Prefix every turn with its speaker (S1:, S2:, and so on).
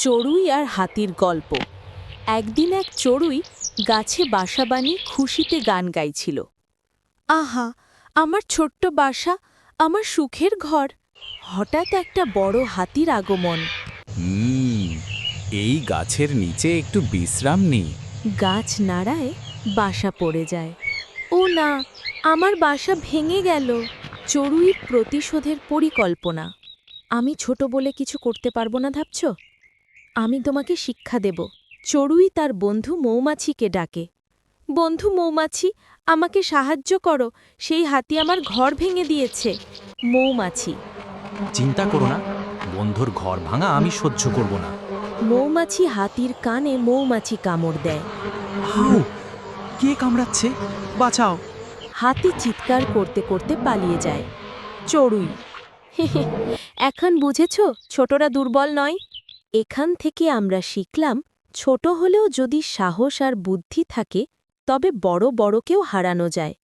S1: চড়ুই আর হাতির গল্প। একদিন এক চড়ুই গাছে বাসা বানিয়ে খুশিতে গান গাইছিল। আহা, আমার ছোট্ট বাসা, আমার সুখের ঘর। হঠাৎ একটা বড় হাতির আগমন।
S2: হুম এই গাছের নিচে একটু বিশ্রাম নিই।
S1: গাছ নাড়ায়, বাসা পড়ে যায়। ও না, আমার বাসা ভেঙে গেল। চড়ুইয়ের প্রতিশোধের পরিকল্পনা। আমি ছোট বলে কিছু করতে পারবো না ভাবছ? আমি তোমাকে শিক্ষা দেব। চড়ুই তার বন্ধু মৌমাছিকে ডাকে। বন্ধু মৌমাছি, আমাকে সাহায্য করো, সেই হাতি আমার ঘর ভেঙে দিয়েছে। মৌমাছি।
S2: চিন্তা করো না, বন্ধুর ঘর ভাঙা আমি সহ্য করব না।
S1: মৌমাছি হাতির কানে মৌমাছি কামড় দেয়।
S2: হাউ, কে কামড়াচ্ছে? বাঁচাও।
S1: হাতি চিৎকার করতে করতে পালিয়ে যায়। চড়ুই। এখন বুঝেছ ছোটরা দুর্বল নয়? এখান থেকে আমরা শিখলাম, ছোট হলেও যদি সাহস আর বুদ্ধি থাকে তবে বড় বড়কেও হারানো যায়।